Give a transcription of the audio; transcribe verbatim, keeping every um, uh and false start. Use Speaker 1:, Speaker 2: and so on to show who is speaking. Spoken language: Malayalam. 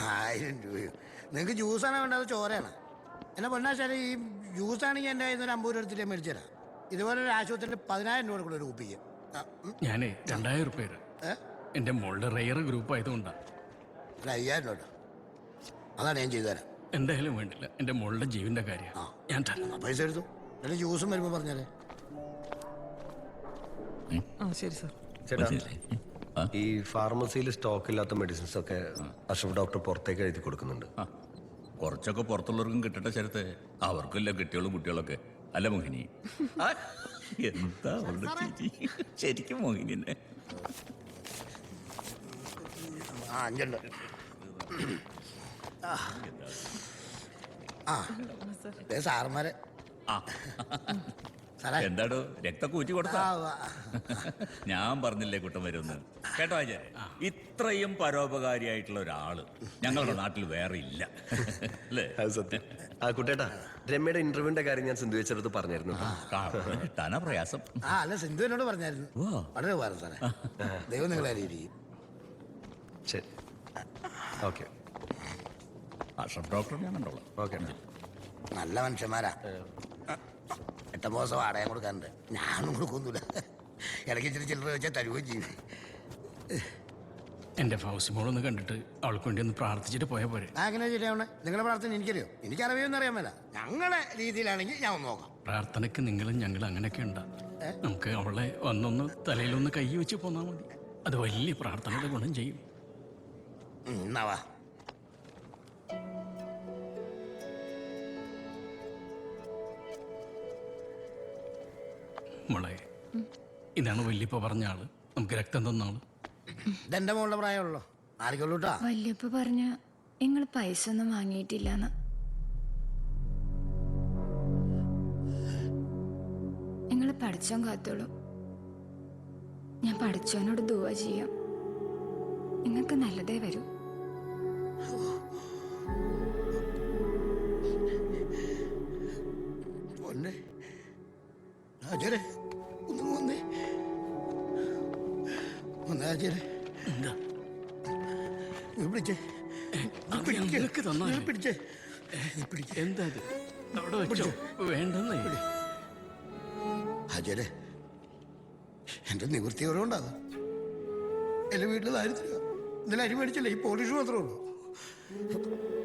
Speaker 1: ആയിരം രൂപയോ? നിങ്ങൾക്ക് ജ്യൂസാണ് വേണ്ടത് ചോരയാണ്? എന്നെ പൊന്നാശാല ഈ ജ്യൂസാണെങ്കിൽ എൻ്റെ കയ്യിൽ നിന്ന് ഒരു അമ്പത് രൂപ എടുത്തിട്ട് മേടിച്ചു തരാം. ഇതുപോലെ ഒരു ആശുപത്രിയിൽ പതിനായിരം രൂപ കൂടെ ഒരു കുപ്പിക്ക്.
Speaker 2: ഞാനേ രണ്ടായിരം റുപ്യ എൻ്റെ മോളുടെ റെയർ ഗ്രൂപ്പ് ആയതുകൊണ്ടാണ്.
Speaker 1: ഒരു അയ്യായിരം രൂപ അതാണ് ഞാൻ ചെയ്തു തരാം.
Speaker 2: എന്തായാലും വേണ്ടില്ല, എൻ്റെ മോളുടെ ജീവന്റെ കാര്യം ഞാൻ
Speaker 1: പൈസ എടുത്തു. എന്നിട്ട് ജ്യൂസും വരുമ്പോൾ പറഞ്ഞാലേ.
Speaker 3: ശരി സാർ.
Speaker 4: ചേട്ടാ, ഈ ഫാർമസിയിൽ സ്റ്റോക്ക് ഇല്ലാത്ത മെഡിസിൻസ് ഒക്കെ അഷ്റഫ് ഡോക്ടർ പുറത്തേക്ക് എഴുതി കൊടുക്കുന്നുണ്ട്.
Speaker 5: കുറച്ചൊക്കെ പുറത്തുള്ളവർക്കും കിട്ടട്ടെ ശരത്തെ, അവർക്കെല്ലാം കിട്ടിയോളും കുട്ടികളൊക്കെ. അല്ല മോഹിനി? എന്താ ശരിക്കും മോഹിനി തന്നെ.
Speaker 1: ആ അഞ്ചുണ്ട്. ആ സാറന്മാരെ
Speaker 5: എന്താടോ രക്തമൊക്കെ ഊറ്റി കൊടുത്താ? ഞാൻ പറഞ്ഞില്ലേ കുട്ടം വരുമെന്ന്. കേട്ടോ ആചാര്യ, ഇത്രയും പരോപകാരിയായിട്ടുള്ള ഒരാള് ഞങ്ങളുടെ നാട്ടിൽ വേറെ ഇല്ല അല്ലേ?
Speaker 4: സത്യം. ആ കുട്ടേട്ടാ, രമ്യയുടെ ഇന്റർവ്യൂവിന്റെ കാര്യം ഞാൻ സിന്ധു വെച്ചെടുത്ത് പറഞ്ഞായിരുന്നു.
Speaker 5: കിട്ടാനാ പ്രയാസം.
Speaker 1: ആ അല്ല, സിന്ധു എന്നോട് പറഞ്ഞായിരുന്നു. വളരെ ഉപകാരം സാറേ. ദൈവം നിങ്ങളെ അറിയിരിക്കും.
Speaker 4: ശരി, ഓക്കെ.
Speaker 5: അഷ്റഫ് ഡോക്ടർ ഞാൻ കണ്ടോളാം.
Speaker 4: ഓക്കെ.
Speaker 1: നല്ല മനുഷ്യന്മാരാ. എട്ടാം ദിവസം വാടക കൊടുക്കാറുണ്ട്. ഞാനും കൊടുക്കൊന്നുമില്ല. ഇടയ്ക്ക് ഇച്ചിരി ചില്ലറ വെച്ചാൽ തരുകയും ചെയ്യും.
Speaker 2: എൻ്റെ ഫൗസിമോളൊന്ന് കണ്ടിട്ട് അവൾക്ക് വേണ്ടി ഒന്ന് പ്രാർത്ഥിച്ചിട്ട് പോയാൽ പോരെ?
Speaker 1: അങ്ങനെ ശരിയാവണേ. നിങ്ങളുടെ പ്രാർത്ഥന എനിക്കറിയോ? എനിക്കറിയൊന്നും അറിയാൻ മേല. ഞങ്ങളുടെ രീതിയിലാണെങ്കിൽ ഞാൻ ഒന്ന് നോക്കാം.
Speaker 2: പ്രാർത്ഥനയ്ക്ക് നിങ്ങളും ഞങ്ങൾ അങ്ങനെയൊക്കെ ഉണ്ടാ. നമുക്ക് അവളെ വന്നൊന്ന് തലയിലൊന്ന് കൈ വെച്ച് പോന്നാൽ മതി. അത് വലിയ പ്രാർത്ഥനയുടെ ഗുണം ചെയ്യും.
Speaker 1: എന്നാവാ
Speaker 2: മോളെ, ഇതാണ് വല്യപ്പ പറഞ്ഞ ആള്, നമുക്ക് രക്തം തന്ന ആള്.
Speaker 1: ഇതെന്റെ മോളുടെ പ്രായമുള്ളൂ. ആർക്കുള്ളൂട്ടാ.
Speaker 6: വല്യപ്പ പറഞ്ഞ നിങ്ങൾ പൈസ ഒന്നും വാങ്ങിയിട്ടില്ലെന്ന്. നിങ്ങൾ പഠിച്ചോൻ കാത്തോളൂ. ഞാൻ പഠിച്ചോനോട് ദുആ ചെയ്യാം. നിങ്ങൾക്ക് നല്ലതേ വരൂ.
Speaker 2: എന്താ വേണ്ടെന്നേ
Speaker 1: അജയരെ, എന്റെ നിവൃത്തി ഓരോണ്ടാകും. എന്റെ വീട്ടിൽ ദാരിദ്ര്യ. ഇന്നലെ അരി മേടിച്ചില്ല. ഈ പോലീസ് മാത്രമേ ഉള്ളൂ.